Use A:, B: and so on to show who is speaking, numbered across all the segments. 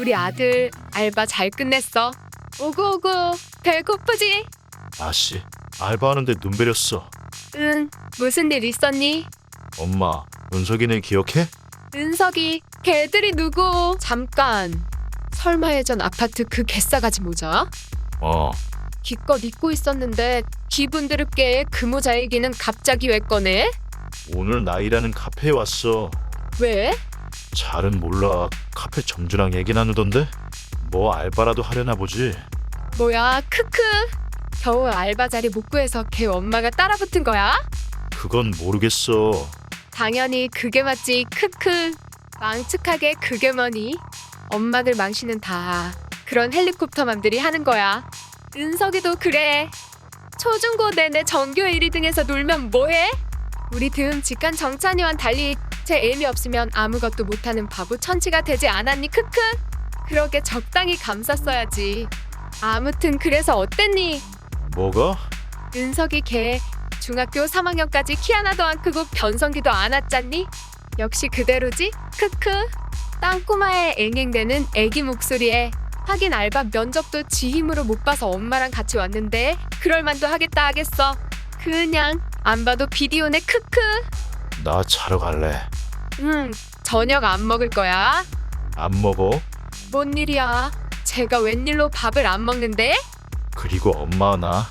A: 우리 아들 알바 잘 끝냈어. 오구오구 배고프지?
B: 아씨, 알바하는데 눈 베렸어.
A: 응, 무슨 일 있었니?
B: 엄마, 은석이네 기억해?
A: 은석이 걔들이 누구? 잠깐, 설마 예전 아파트 그 개싸가지 모자?
B: 어,
A: 기껏 잊고 있었는데 기분 드럽게 그 모자 얘기는 갑자기 왜 꺼내?
B: 오늘 나 일하는 카페에 왔어.
A: 왜?
B: 잘은 몰라. 카페 점주랑 얘기 나누던데? 뭐 알바라도 하려나 보지.
A: 뭐야 크크. 겨우 알바 자리 못 구해서 걔 엄마가 따라붙은 거야?
B: 그건 모르겠어.
A: 당연히 그게 맞지 크크. 망측하게 그게 뭐니? 엄마들 망신은 다 그런 헬리콥터맘들이 하는 거야. 은석이도 그래. 초중고 내내 전교 1위 등에서 놀면 뭐해? 우리 듬 직관 정찬이와는 달리 제 애미 없으면 아무것도 못하는 바보 천치가 되지 않았니 크크? 그러게 적당히 감쌌어야지. 아무튼 그래서 어땠니?
B: 뭐가?
A: 은석이 걔 중학교 3학년까지 키 하나도 안 크고 변성기도 안 왔잖니? 역시 그대로지? 크크. 땅꼬마의 앵앵대는 애기 목소리에 하긴 알바 면접도 지 힘으로 못 봐서 엄마랑 같이 왔는데 그럴만도 하겠다 하겠어. 그냥 안 봐도 비디오네 크크.
B: 나 자러 갈래.
A: 저녁 안 먹을 거야?
B: 안 먹어?
A: 뭔 일이야? 제가 웬일로 밥을 안 먹는데?
B: 그리고 엄마 나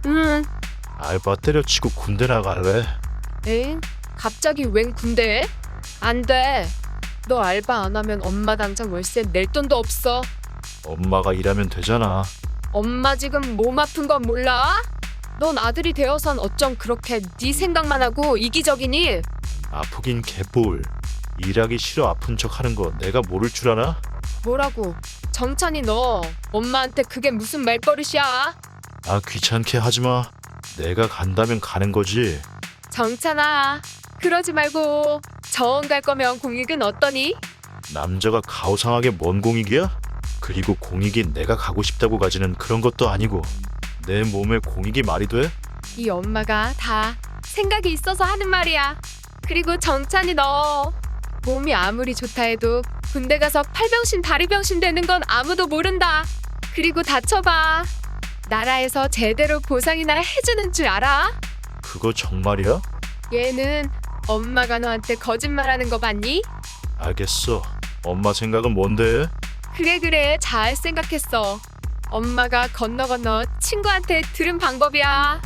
B: 알바 때려치고 군대 나갈래.
A: 엥? 갑자기 웬 군대에? 안 돼. 너 알바 안 하면 엄마 당장 월세 낼 돈도 없어.
B: 엄마가 일하면 되잖아.
A: 엄마 지금 몸 아픈 건 몰라? 넌 아들이 되어선 어쩜 그렇게 네 생각만 하고 이기적이니?
B: 아프긴 개뿔. 일하기 싫어 아픈 척 하는 거 내가 모를 줄 아나?
A: 뭐라고? 정찬이 너 엄마한테 그게 무슨 말버릇이야?
B: 아 귀찮게 하지마. 내가 간다면 가는 거지.
A: 정찬아, 그러지 말고 정원 갈 거면 공익은 어떠니?
B: 남자가 가오상하게 뭔 공익이야? 그리고 공익이 내가 가고 싶다고 가지는 그런 것도 아니고 내 몸에 공익이 말이 돼?
A: 이 엄마가 다 생각이 있어서 하는 말이야. 그리고 정찬이 너 몸이 아무리 좋다 해도 군대 가서 팔병신 다리병신 되는 건 아무도 모른다. 그리고 다쳐봐. 나라에서 제대로 보상이나 해주는 줄 알아?
B: 그거 정말이야?
A: 얘는 엄마가 너한테 거짓말하는 거 봤니?
B: 알겠어. 엄마 생각은 뭔데?
A: 그래 잘 생각했어. 엄마가 건너 친구한테 들은 방법이야.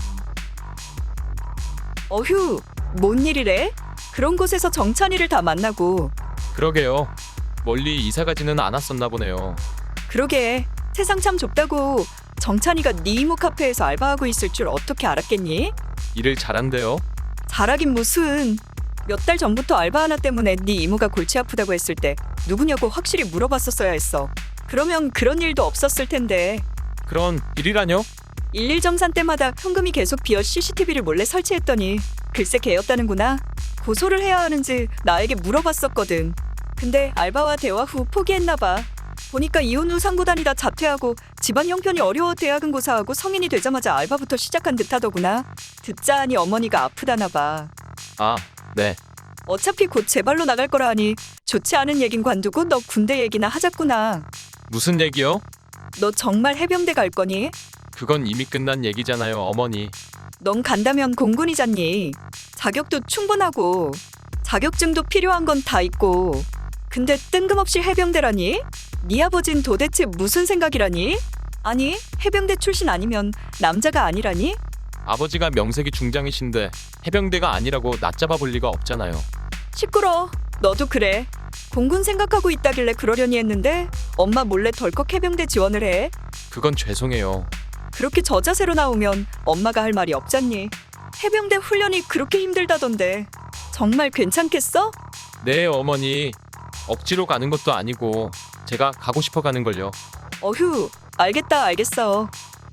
C: 어휴, 뭔 일이래? 그런 곳에서 정찬이를 다 만나고.
D: 그러게요. 멀리 이사 가지는 않았었나 보네요.
C: 그러게, 세상 참 좁다고. 정찬이가 네 이모 카페에서 알바하고 있을 줄 어떻게 알았겠니?
D: 일을 잘한대요.
C: 잘하긴 무슨. 몇 달 전부터 알바 하나 때문에 네 이모가 골치 아프다고 했을 때 누구냐고 확실히 물어봤었어야 했어. 그러면 그런 일도 없었을 텐데.
D: 그런 일이라뇨?
C: 1.1 정산 때마다 현금이 계속 비어 CCTV를 몰래 설치했더니 글쎄 걔였다는구나. 고소를 해야 하는지 나에게 물어봤었거든. 근데 알바와 대화 후 포기했나 봐. 보니까 이혼 후 상고 다니다 자퇴하고 집안 형편이 어려워 대학은 고사하고 성인이 되자마자 알바부터 시작한 듯하더구나. 듣자 하니 어머니가 아프다나 봐.
D: 아, 네.
C: 어차피 곧 제 발로 나갈 거라 하니 좋지 않은 얘긴 관두고 너 군대 얘기나 하자꾸나.
D: 무슨 얘기요?
C: 너 정말 해병대 갈 거니?
D: 그건 이미 끝난 얘기잖아요, 어머니.
C: 넌 간다면 공군이잖니. 자격도 충분하고 자격증도 필요한 건 다 있고. 근데 뜬금없이 해병대라니? 네 아버진 도대체 무슨 생각이라니? 아니, 해병대 출신 아니면 남자가 아니라니?
D: 아버지가 명색이 중장이신데 해병대가 아니라고 낯잡아 볼 리가 없잖아요.
C: 시끄러. 너도 그래. 공군 생각하고 있다길래 그러려니 했는데 엄마 몰래 덜컥 해병대 지원을 해.
D: 그건 죄송해요.
C: 그렇게 저자세로 나오면 엄마가 할 말이 없잖니. 해병대 훈련이 그렇게 힘들다던데 정말 괜찮겠어?
D: 네, 어머니. 억지로 가는 것도 아니고 제가 가고 싶어 가는 걸요.
C: 어휴, 알겠어.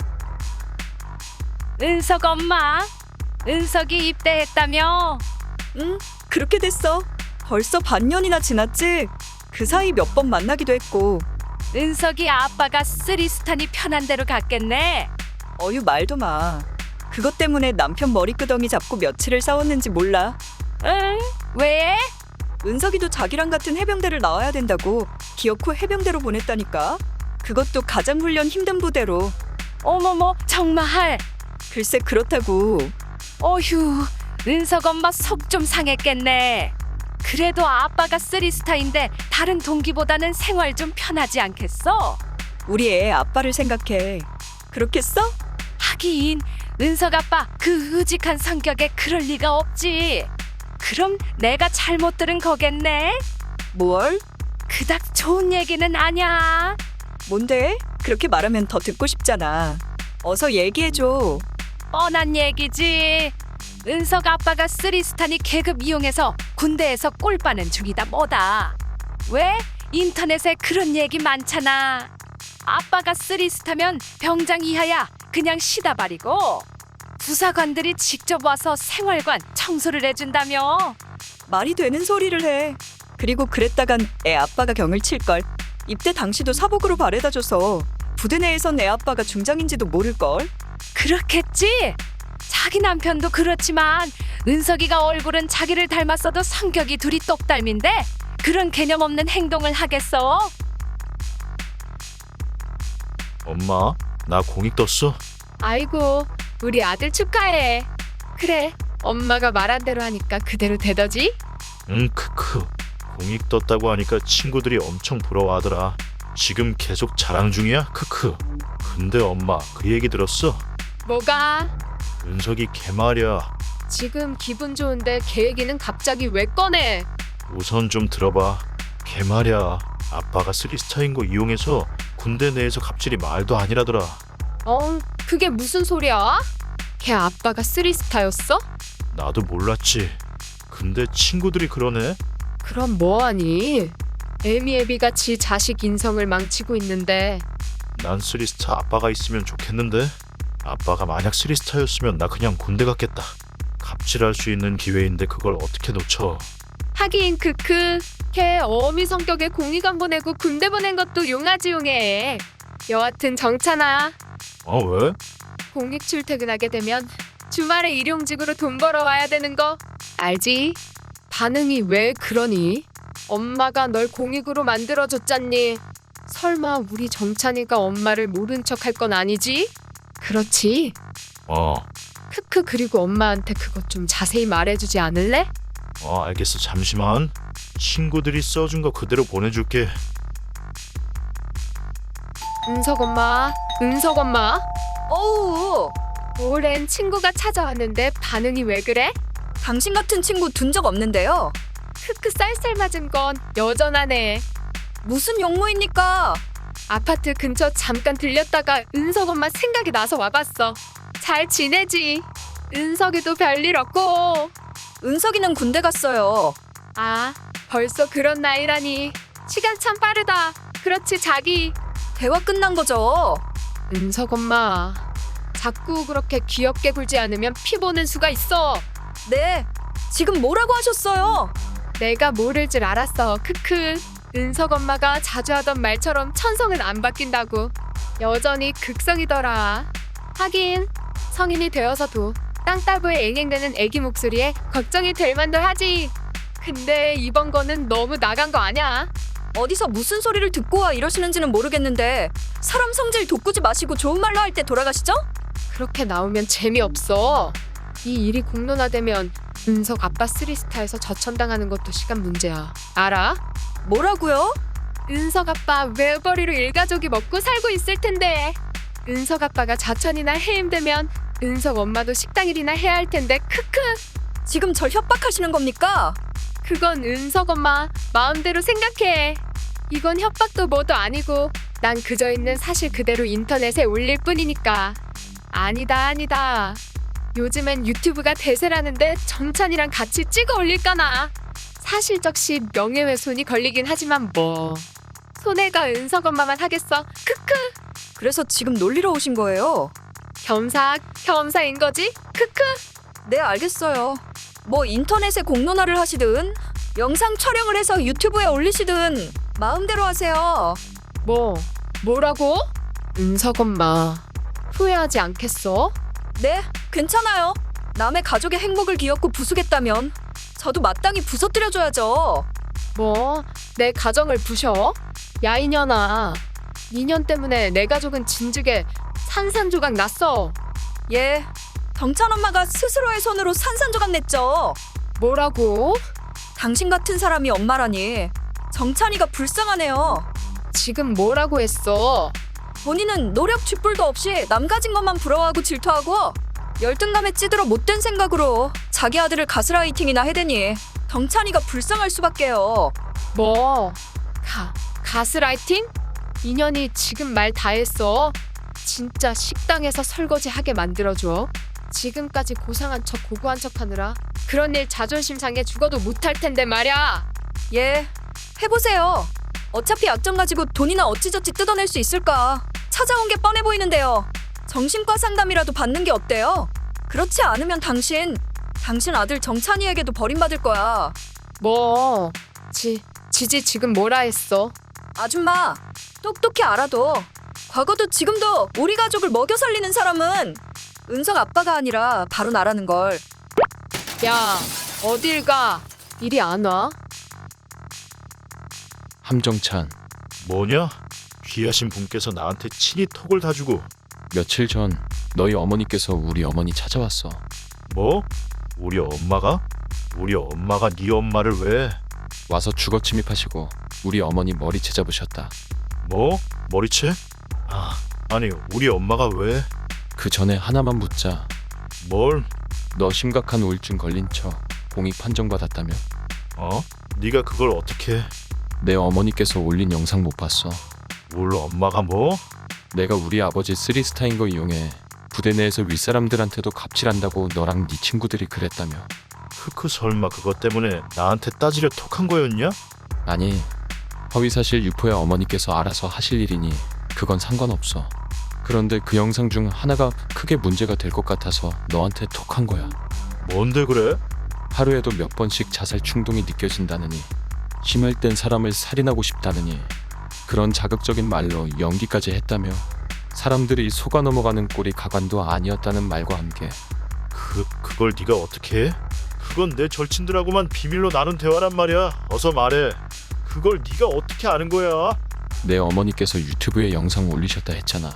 A: 은석 엄마, 은석이 입대했다며?
C: 응, 그렇게 됐어. 벌써 반년이나 지났지? 그 사이 몇 번 만나기도 했고.
A: 은석이 아빠가 쓰리스탄이 편한 대로 갔겠네.
C: 어휴, 말도 마. 그것 때문에 남편 머리끄덩이 잡고 며칠을 싸웠는지 몰라.
A: 응? 왜?
C: 은석이도 자기랑 같은 해병대를 나와야 된다고 기어코 해병대로 보냈다니까. 그것도 가장 훈련 힘든 부대로.
E: 어머머, 정말.
C: 글쎄 그렇다고.
E: 어휴, 은석 엄마 속 좀 상했겠네. 그래도 아빠가 쓰리스타인데 다른 동기보다는 생활 좀 편하지 않겠어?
C: 우리 애 아빠를 생각해. 그렇겠어?
E: 하긴 은석 아빠 그 의직한 성격에 그럴 리가 없지. 그럼 내가 잘못 들은 거겠네?
C: 뭘?
E: 그닥 좋은 얘기는 아냐.
C: 뭔데? 그렇게 말하면 더 듣고 싶잖아. 어서 얘기해줘.
E: 뻔한 얘기지. 은석 아빠가 쓰리스타니 계급 이용해서 군대에서 꼴 빠는 중이다 뭐다. 왜? 인터넷에 그런 얘기 많잖아. 아빠가 쓰리스타면 병장 이하야 그냥 쉬다 버리고 부사관들이 직접 와서 생활관 청소를 해준다며.
C: 말이 되는 소리를 해. 그리고 그랬다간 애 아빠가 경을 칠걸. 입대 당시도 사복으로 바래다줘서 부대 내에선 애 아빠가 중장인지도 모를걸.
E: 그렇겠지? 자기 남편도 그렇지만 은석이가 얼굴은 자기를 닮았어도 성격이 둘이 똑닮인데 그런 개념 없는 행동을 하겠어?
B: 엄마, 나 공익 떴어.
A: 아이고, 우리 아들 축하해. 그래, 엄마가 말한 대로 하니까 그대로 되더지?
B: 응, 크크. 공익 떴다고 하니까 친구들이 엄청 부러워하더라. 지금 계속 자랑 중이야? 크크. 근데 엄마, 그 얘기 들었어?
A: 뭐가?
B: 은석이 걔 말이야.
A: 지금 기분 좋은데 걔 얘기는 갑자기 왜 꺼내?
B: 우선 좀 들어봐. 걔 말이야. 아빠가 쓰리스타인 거 이용해서 군대 내에서 갑질이 말도 아니라더라.
A: 그게 무슨 소리야? 걔 아빠가 쓰리스타였어?
B: 나도 몰랐지. 근데 친구들이 그러네.
A: 그럼 뭐하니? 애미애비가 지 자식 인성을 망치고 있는데.
B: 난 쓰리스타 아빠가 있으면 좋겠는데. 아빠가 만약 쓰리스타였으면 나 그냥 군대 갔겠다. 갑질할 수 있는 기회인데 그걸 어떻게 놓쳐.
A: 하긴 크크. 걔 어미 성격에 공익안 보내고 군대 보낸 것도 용하지 용해. 여하튼 정찬아,
B: 왜?
A: 공익 출퇴근하게 되면 주말에 일용직으로 돈 벌어와야 되는 거 알지? 반응이 왜 그러니? 엄마가 널 공익으로 만들어줬잖니. 설마 우리 정찬이가 엄마를 모른 척 할 건 아니지? 그렇지? 크크. 그리고 엄마한테 그것 좀 자세히 말해주지 않을래?
B: 알겠어. 잠시만. 친구들이 써준 거 그대로 보내줄게.
A: 은석 엄마, 은석 엄마.
C: 어우,
A: 오랜 친구가 찾아왔는데 반응이 왜 그래?
C: 당신 같은 친구 둔 적 없는데요.
A: 크크. 쌀쌀 맞은 건 여전하네.
C: 무슨 용무입니까?
A: 아파트 근처 잠깐 들렸다가 은석 엄마 생각이 나서 와봤어. 잘 지내지? 은석이도 별일 없고.
C: 은석이는 군대 갔어요.
A: 아, 벌써 그런 나이라니. 시간 참 빠르다. 그렇지 자기.
C: 대화 끝난 거죠.
A: 은석 엄마, 자꾸 그렇게 귀엽게 굴지 않으면 피 보는 수가 있어.
C: 네, 지금 뭐라고 하셨어요?
A: 내가 모를 줄 알았어. 크크. 은석 엄마가 자주 하던 말처럼 천성은 안 바뀐다고. 여전히 극성이더라. 하긴 성인이 되어서도 땅따부에 앵앵대는 애기 목소리에 걱정이 될 만도 하지. 근데 이번 거는 너무 나간 거 아냐?
C: 어디서 무슨 소리를 듣고 와 이러시는지는 모르겠는데 사람 성질 돋구지 마시고 좋은 말로 할 때 돌아가시죠?
A: 그렇게 나오면 재미없어. 이 일이 공론화되면 은석 아빠 쓰리스타에서 저천당하는 것도 시간 문제야. 알아?
C: 뭐라고요?
A: 은석 아빠 외벌이로 일가족이 먹고 살고 있을 텐데. 은석 아빠가 자천이나 해임되면 은석 엄마도 식당 일이나 해야 할 텐데. 크크.
C: 지금 절 협박하시는 겁니까?
A: 그건 은석 엄마 마음대로 생각해. 이건 협박도 뭐도 아니고 난 그저 있는 사실 그대로 인터넷에 올릴 뿐이니까. 아니다. 요즘엔 유튜브가 대세라는데 정찬이랑 같이 찍어 올릴까나. 사실적시 명예훼손이 걸리긴 하지만 뭐 손해가 은석 엄마만 하겠어. 크크.
C: 그래서 지금 놀리러 오신 거예요?
A: 겸사인 거지? 크크.
C: 네, 알겠어요. 뭐 인터넷에 공론화를 하시든 영상 촬영을 해서 유튜브에 올리시든 마음대로 하세요.
A: 뭐라고? 은석 엄마 후회하지 않겠어?
C: 네, 괜찮아요. 남의 가족의 행복을 기었고 부수겠다면 저도 마땅히 부서뜨려줘야죠.
A: 뭐, 내 가정을 부셔? 야, 이년아. 이년 때문에 내 가족은 진즉에 산산조각 났어.
C: 예, 정찬 엄마가 스스로의 손으로 산산조각 냈죠.
A: 뭐라고?
C: 당신 같은 사람이 엄마라니. 정찬이가 불쌍하네요.
A: 지금 뭐라고 했어?
C: 본인은 노력 쥐뿔도 없이 남 가진 것만 부러워하고 질투하고 열등감에 찌들어 못된 생각으로 자기 아들을 가스라이팅이나 해대니 정찬이가 불쌍할 수밖에요.
A: 뭐? 가스라이팅? 인연이 지금 말 다 했어. 진짜 식당에서 설거지하게 만들어줘. 지금까지 고상한 척 고고한 척 하느라 그런 일 자존심 상해 죽어도 못할 텐데 말야.
C: 예, 해보세요. 어차피 약점 가지고 돈이나 어찌저찌 뜯어낼 수 있을까. 찾아온 게 뻔해 보이는데요. 정신과 상담이라도 받는 게 어때요? 그렇지 않으면 당신 아들 정찬이에게도 버림받을 거야.
A: 뭐? 지지 지금 뭐라 했어?
C: 아줌마, 똑똑히 알아도 과거도 지금도 우리 가족을 먹여 살리는 사람은 은석 아빠가 아니라 바로 나라는 걸.
A: 야, 어딜 가? 이리 안 와?
D: 함정찬,
B: 뭐냐? 귀하신 분께서 나한테 친히 톡을 다 주고.
D: 며칠 전 너희 어머니께서 우리 어머니 찾아왔어.
B: 뭐? 우리 엄마가? 우리 엄마가 네 엄마를 왜?
D: 와서 주거 침입하시고 우리 어머니 머리채 잡으셨다.
B: 뭐? 머리채? 아니 우리 엄마가 왜?
D: 그 전에 하나만 묻자.
B: 뭘?
D: 너 심각한 우울증 걸린 척 공익 판정받았다며?
B: 어? 네가 그걸 어떻게?
D: 내 어머니께서 올린 영상 못 봤어.
B: 우리 엄마가 뭐?
D: 내가 우리 아버지 3스타인 거 이용해 부대 내에서 윗사람들한테도 갑질한다고 너랑 네 친구들이 그랬다며.
B: 크크 설마 그것 때문에 나한테 따지려 톡한 거였냐?
D: 아니, 허위사실 유포야 어머니께서 알아서 하실 일이니 그건 상관없어. 그런데 그 영상 중 하나가 크게 문제가 될 것 같아서 너한테 톡한 거야.
B: 뭔데 그래?
D: 하루에도 몇 번씩 자살 충동이 느껴진다느니, 심할 땐 사람을 살인하고 싶다느니, 그런 자극적인 말로 연기까지 했다며 사람들이 속아 넘어가는 꼴이 가관도 아니었다는 말과 함께.
B: 그걸 네가 어떻게 해? 그건 내 절친들하고만 비밀로 나눈 대화란 말이야. 어서 말해. 그걸 네가 어떻게 아는 거야?
D: 내 어머니께서 유튜브에 영상 올리셨다 했잖아.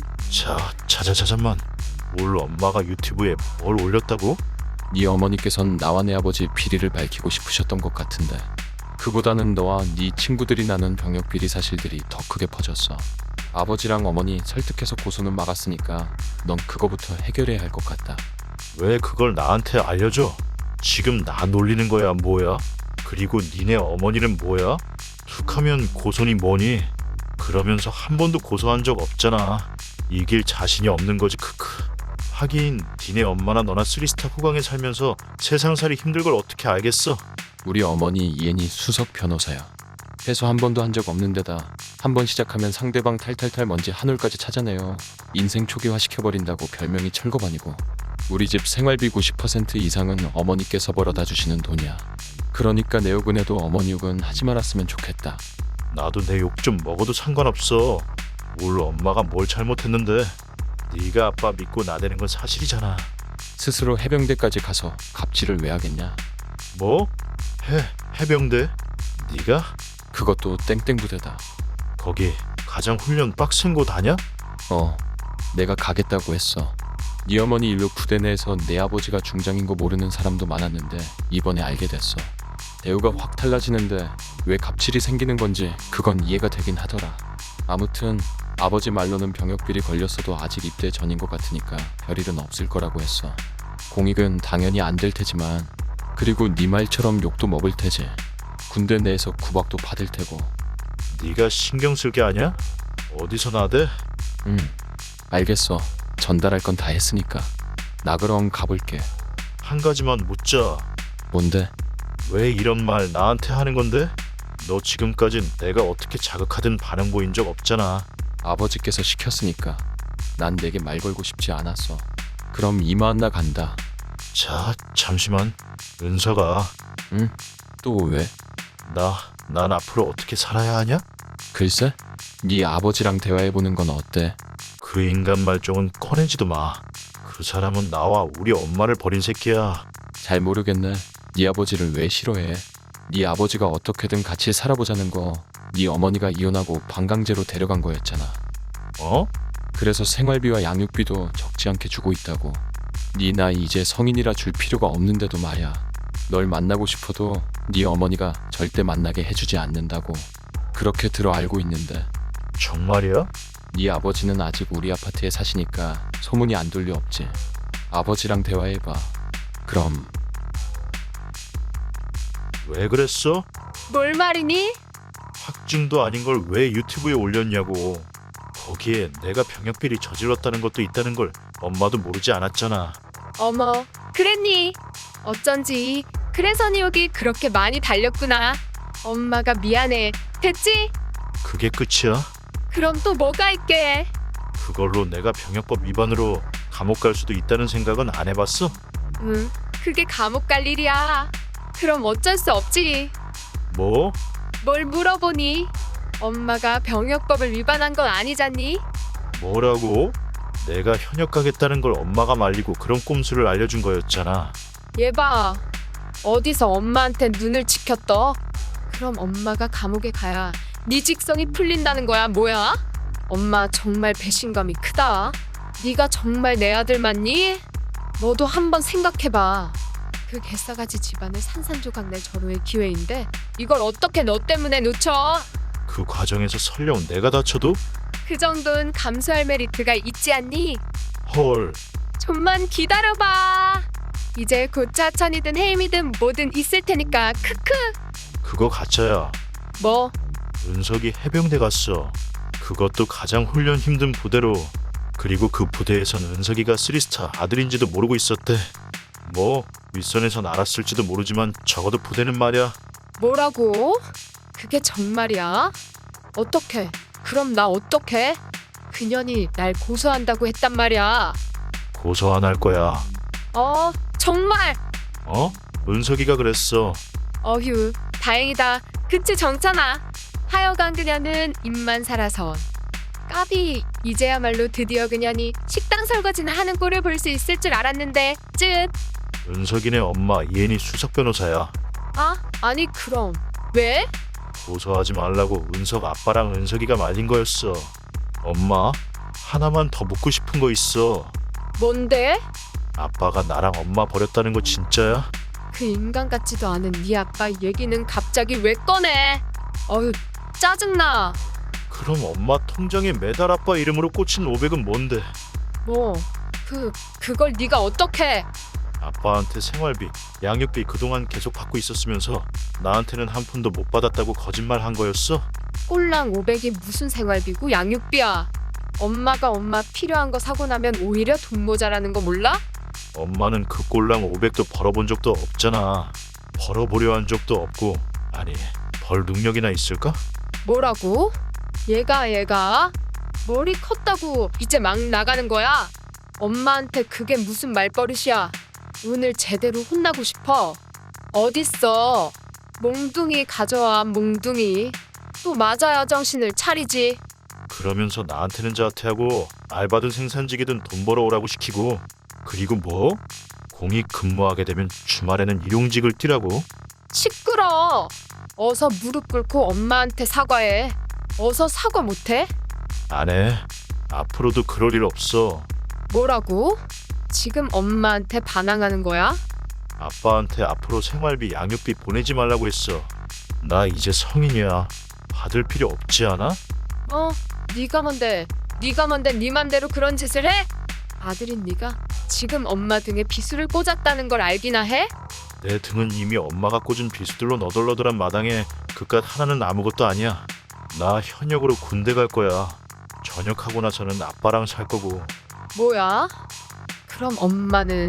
B: 잠깐만. 우리 엄마가 유튜브에 뭘 올렸다고?
D: 네 어머니께선 나와 내 아버지 비리를 밝히고 싶으셨던 것 같은데, 그보다는 너와 네 친구들이 나눈 병역 비리 사실들이 더 크게 퍼졌어. 아버지랑 어머니 설득해서 고소는 막았으니까 넌 그거부터 해결해야 할 것 같다.
B: 왜 그걸 나한테 알려줘? 지금 나 놀리는 거야 뭐야? 그리고 니네 어머니는 뭐야? 툭하면 고소니 뭐니? 그러면서 한 번도 고소한 적 없잖아. 이길 자신이 없는 거지. 크크. 하긴 니네 엄마나 너나 3스타 호강에 살면서 세상살이 힘들 걸 어떻게 알겠어?
D: 우리 어머니 이엔이 수석 변호사야. 해소 한 번도 한 적 없는 데다 한 번 시작하면 상대방 탈탈탈 먼지 한 올까지 찾아내요. 인생 초기화 시켜버린다고 별명이 철거반이고, 우리 집 생활비 90% 이상은 어머니께서 벌어다 주시는 돈이야. 그러니까 내 욕은 해도 어머니 욕은 하지 말았으면 좋겠다.
B: 나도 내 욕 좀 먹어도 상관없어. 우리 엄마가 뭘 잘못했는데. 네가 아빠 믿고 나대는 건 사실이잖아.
D: 스스로 해병대까지 가서 갑질을 왜 하겠냐?
B: 뭐? 해병대? 네가?
D: 그것도 땡땡 부대다.
B: 거기 가장 훈련 빡센 곳 아냐?
D: 내가 가겠다고 했어. 네 어머니 일로 부대 내에서 내 아버지가 중장인 거 모르는 사람도 많았는데 이번에 알게 됐어. 대우가 확 달라지는데 왜 갑질이 생기는 건지 그건 이해가 되긴 하더라. 아무튼 아버지 말로는 병역비리 걸렸어도 아직 입대 전인 것 같으니까 별일은 없을 거라고 했어. 공익은 당연히 안 될 테지만, 그리고 네 말처럼 욕도 먹을 테지. 군대 내에서 구박도 받을 테고.
B: 네가 신경 쓸 게 아니야? 어디서 나대?
D: 알겠어. 전달할 건 다 했으니까. 나 그럼 가볼게.
B: 한 가지만 묻자.
D: 뭔데?
B: 왜 이런 말 나한테 하는 건데? 너 지금까진 내가 어떻게 자극하든 반응 보인 적 없잖아.
D: 아버지께서 시켰으니까. 난 내게 말 걸고 싶지 않았어. 그럼 이만 나 간다.
B: 잠시만. 은서가.
D: 또 왜?
B: 난 앞으로 어떻게 살아야 하냐?
D: 글쎄? 네 아버지랑 대화해보는 건 어때?
B: 그 인간 말종은 꺼내지도 마. 그 사람은 나와 우리 엄마를 버린 새끼야.
D: 잘 모르겠네. 네 아버지를 왜 싫어해? 네 아버지가 어떻게든 같이 살아보자는 거 네 어머니가 이혼하고 반강제로 데려간 거였잖아.
B: 어?
D: 그래서 생활비와 양육비도 적지 않게 주고 있다고. 네 나이 이제 성인이라 줄 필요가 없는데도 말야. 널 만나고 싶어도 네 어머니가 절대 만나게 해주지 않는다고. 그렇게 들어 알고 있는데
B: 정말이야?
D: 네 아버지는 아직 우리 아파트에 사시니까 소문이 안 돌려 없지. 아버지랑 대화해봐. 그럼
B: 왜 그랬어?
A: 뭘 말이니?
B: 확증도 아닌 걸 왜 유튜브에 올렸냐고. 거기에 내가 병역비리 저질렀다는 것도 있다는 걸 엄마도 모르지 않았잖아.
A: 어머, 그랬니? 어쩐지 그래서 니 여기 그렇게 많이 달렸구나. 엄마가 미안해. 됐지?
B: 그게 끝이야?
A: 그럼 또 뭐가 있게?
B: 그걸로 내가 병역법 위반으로 감옥 갈 수도 있다는 생각은 안 해봤어?
A: 응, 그게 감옥 갈 일이야. 그럼 어쩔 수 없지.
B: 뭐?
A: 뭘 물어보니? 엄마가 병역법을 위반한 건 아니잖니?
B: 뭐라고? 내가 현역 가겠다는 걸 엄마가 말리고 그런 꼼수를 알려준 거였잖아.
A: 얘 봐. 어디서 엄마한테 눈을 지켰어? 그럼 엄마가 감옥에 가야 네 직성이 풀린다는 거야, 뭐야? 엄마 정말 배신감이 크다. 네가 정말 내 아들 맞니? 너도 한번 생각해봐. 그 개싸가지 집안을 산산조각 낼 절호의 기회인데 이걸 어떻게 너 때문에 놓쳐?
B: 그 과정에서 설령 내가 다쳐도?
A: 그 정도는 감수할 메리트가 있지 않니?
B: 헐,
A: 좀만 기다려봐. 이제 곧 차천이든 해임이든 뭐든 있을 테니까 크크.
B: 그거 가짜야.
A: 뭐?
B: 은석이 해병대 갔어. 그것도 가장 훈련 힘든 부대로. 그리고 그 부대에선 은석이가 3스타 아들인지도 모르고 있었대. 뭐 윗선에선 알았을지도 모르지만 적어도 부대는 말이야.
A: 뭐라고? 그게 정말이야? 어떻게? 그럼 나 어떻게? 그년이 날 고소한다고 했단 말이야.
B: 고소 안 할 거야.
A: 정말?
B: 어? 은석이가 그랬어.
A: 어휴, 다행이다. 그치 정찬아. 하여간 그녀는 입만 살아서. 까비, 이제야말로 드디어 그년이 식당 설거지나 하는 꼴을 볼 수 있을 줄 알았는데 쯧.
B: 은석이네 엄마 이혜니 수석 변호사야.
A: 아니 그럼 왜?
B: 고소하지 말라고 은석 아빠랑 은석이가 말린 거였어. 엄마, 하나만 더 묻고 싶은 거 있어.
A: 뭔데?
B: 아빠가 나랑 엄마 버렸다는 거 진짜야?
A: 그 인간 같지도 않은 네 아빠 얘기는 갑자기 왜 꺼내? 어휴, 짜증나.
B: 그럼 엄마 통장에 매달 아빠 이름으로 꽂힌 500은 뭔데?
A: 뭐, 그걸 네가 어떻게?
B: 아빠한테 생활비, 양육비 그동안 계속 받고 있었으면서 나한테는 한 푼도 못 받았다고 거짓말 한 거였어?
A: 꼴랑 500이 무슨 생활비고 양육비야. 엄마가 엄마 필요한 거 사고 나면 오히려 돈 모자라는 거 몰라?
B: 엄마는 그 꼴랑 500도 벌어본 적도 없잖아. 벌어보려 한 적도 없고. 아니, 벌 능력이나 있을까?
A: 뭐라고? 얘가 머리 컸다고 이제 막 나가는 거야? 엄마한테 그게 무슨 말버릇이야? 오늘 제대로 혼나고 싶어. 어딨어? 몽둥이 가져와, 몽둥이. 또 맞아야 정신을 차리지.
B: 그러면서 나한테는 자퇴하고 알바든 생산직이든 돈 벌어오라고 시키고. 그리고 뭐? 공익 근무하게 되면 주말에는 일용직을 뛰라고?
A: 시끄러. 어서 무릎 꿇고 엄마한테 사과해. 어서 사과 못해?
B: 안 해. 앞으로도 그럴 일 없어.
A: 뭐라고? 지금 엄마한테 반항하는 거야?
B: 아빠한테 앞으로 생활비, 양육비 보내지 말라고 했어. 나 이제 성인이야. 받을 필요 없지 않아?
A: 네가 뭔데 네 맘대로 그런 짓을 해? 아들인 네가 지금 엄마 등에 비수를 꽂았다는 걸 알기나 해?
B: 내 등은 이미 엄마가 꽂은 비수들로 너덜너덜한 마당에 그깟 하나는 아무것도 아니야. 나 현역으로 군대 갈 거야. 전역하고 나서는 아빠랑 살 거고.
A: 뭐야? 그럼 엄마는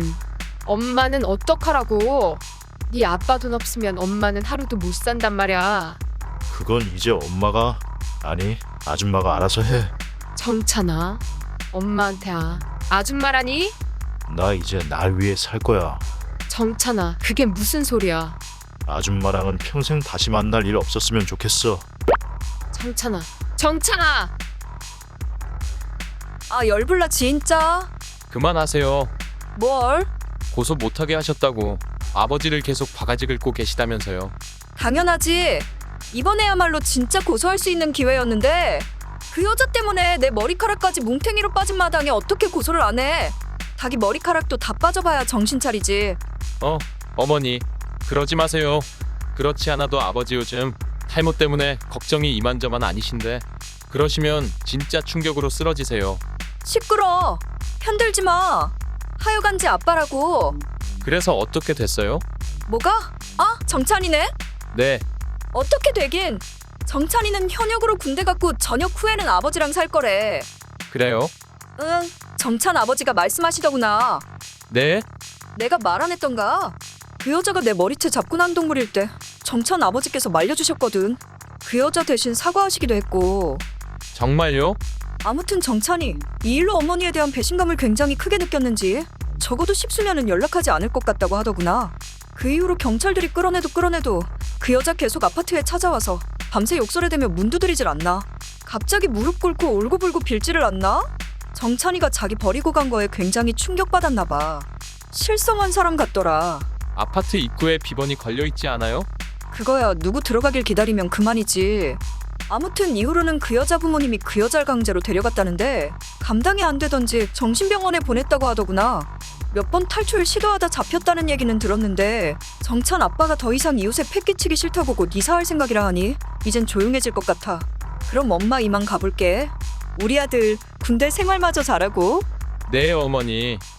A: 어떡하라고? 네 아빠 돈 없으면 엄마는 하루도 못 산단 말이야.
B: 그건 이제 엄마가, 아니 아줌마가 알아서 해.
A: 정찬아, 엄마한테 아줌마라니?
B: 나 이제 날 위해 살 거야.
A: 정찬아, 그게 무슨 소리야?
B: 아줌마랑은 평생 다시 만날 일 없었으면 좋겠어.
A: 정찬아!
C: 아, 열불나 진짜.
D: 그만하세요.
C: 뭘?
D: 고소 못하게 하셨다고. 아버지를 계속 바가지 긁고 계시다면서요.
C: 당연하지. 이번에야말로 진짜 고소할 수 있는 기회였는데 그 여자 때문에 내 머리카락까지 뭉탱이로 빠진 마당에 어떻게 고소를 안 해. 닭이 머리카락도 다 빠져봐야 정신 차리지.
D: 어머니, 그러지 마세요. 그렇지 않아도 아버지 요즘 탈모 때문에 걱정이 이만저만 아니신데 그러시면 진짜 충격으로 쓰러지세요.
C: 시끄러. 편들지 마. 하여간지 아빠라고.
D: 그래서 어떻게 됐어요?
C: 뭐가? 정찬이네?
D: 네,
C: 어떻게 되긴. 정찬이는 현역으로 군대 갔고 전역 후에는 아버지랑 살 거래.
D: 그래요?
C: 응, 정찬 아버지가 말씀하시더구나.
D: 네?
C: 내가 말 안 했던가? 그 여자가 내 머리채 잡고 난 동물일 때 정찬 아버지께서 말려주셨거든. 그 여자 대신 사과하시기도 했고.
D: 정말요?
C: 아무튼 정찬이 이 일로 어머니에 대한 배신감을 굉장히 크게 느꼈는지 적어도 10수년은 연락하지 않을 것 같다고 하더구나. 그 이후로 경찰들이 끌어내도 그 여자 계속 아파트에 찾아와서 밤새 욕설에대며 문 두드리질 않나. 갑자기 무릎 꿇고 울고불고 빌지를 않나? 정찬이가 자기 버리고 간 거에 굉장히 충격받았나 봐. 실성한 사람 같더라.
D: 아파트 입구에 비번이 걸려있지 않아요?
C: 그거야 누구 들어가길 기다리면 그만이지. 아무튼 이후로는 그 여자 부모님이 그 여자를 강제로 데려갔다는데 감당이 안 되던지 정신병원에 보냈다고 하더구나. 몇 번 탈출 시도하다 잡혔다는 얘기는 들었는데 정찬 아빠가 더 이상 이웃에 패 끼치기 싫다고 곧 이사할 생각이라 하니 이젠 조용해질 것 같아. 그럼 엄마 이만 가볼게. 우리 아들 군대 생활마저 잘하고.
D: 네, 어머니.